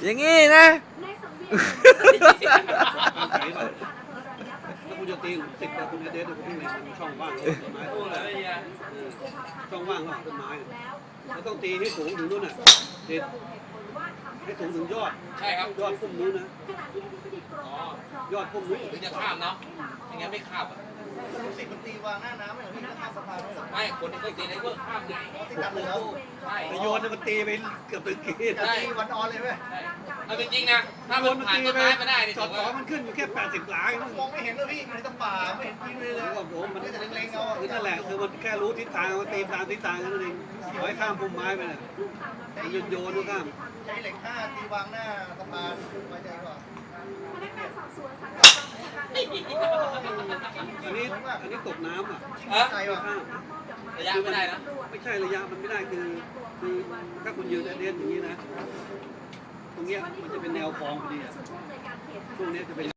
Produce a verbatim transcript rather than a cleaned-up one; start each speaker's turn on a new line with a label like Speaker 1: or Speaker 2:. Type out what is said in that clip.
Speaker 1: อย่างงี้นะ
Speaker 2: ถ้าคุณจะตีสิบแต่คุณจะเด็ดคุณต้องเล็งช่องว่างต้นไม้ช่องว่างของต้นไม้แล้วต้องตีให้สูงถึงนู่นน่ะเด็ดให้สูงถึงยอด
Speaker 3: ใช่ครับ
Speaker 2: ยอดพุ่มนู้นนะยอดพุ่มนู้น
Speaker 3: ถึงจะข้ามเนาะอย่างงั้นไม่ข้ามอ่ะ
Speaker 4: ลูกศิษย์มันตีวางหน้าน้ำไม่เหรอพี่ข้ามสะพานไม่เหรอ
Speaker 3: ไม่คนที่เคยตีในเวิร์กข้ามไง
Speaker 4: ติดกันเลยแล้ว
Speaker 3: ใช่
Speaker 2: ไปโยนมันตีไปเกือบถึงขีด
Speaker 4: ตีวันออนเลยไหม
Speaker 3: เอาจริงๆนะถ้ามันผ่านต้นไม้มาได้นี่
Speaker 2: จอ
Speaker 3: ถื
Speaker 2: ด
Speaker 3: อ
Speaker 2: สอ
Speaker 3: ว่าง
Speaker 2: มันขึ้นอยู่แค่แปดสิบหลายนั่น
Speaker 4: มองไม่เห็นเลยพี่มันในตะป่าไม่เห็นจริงเลยเลย
Speaker 2: โอ้โหมัน
Speaker 4: ก็จะเล็งๆเอา
Speaker 2: คือนั่นแหละคือมันแค่รู้ทิศทางมันตีตามทิศทางนั่นเองขอให้ข้ามพุ่มไม้ไปน่ะมันโยนโยนก็ข้าม
Speaker 4: ใช้เหล็กห้าตีวางหน้าสะพานไว้ใจกว่า
Speaker 2: อันนี้อันนี้ตกน้ำอ่ะ
Speaker 3: เออ
Speaker 4: ใจว่ะ
Speaker 2: ข้าม
Speaker 3: ระยะไม่ได้นะ
Speaker 2: ไม่ใช่ระยะมันไม่ได้คือคือถ้าคุณยืนเด่นอย่างนี้นะ ตรงเนี้ยมันจะเป็นแนวคลองพอดีอ่ะช่วงนี้จะเป็น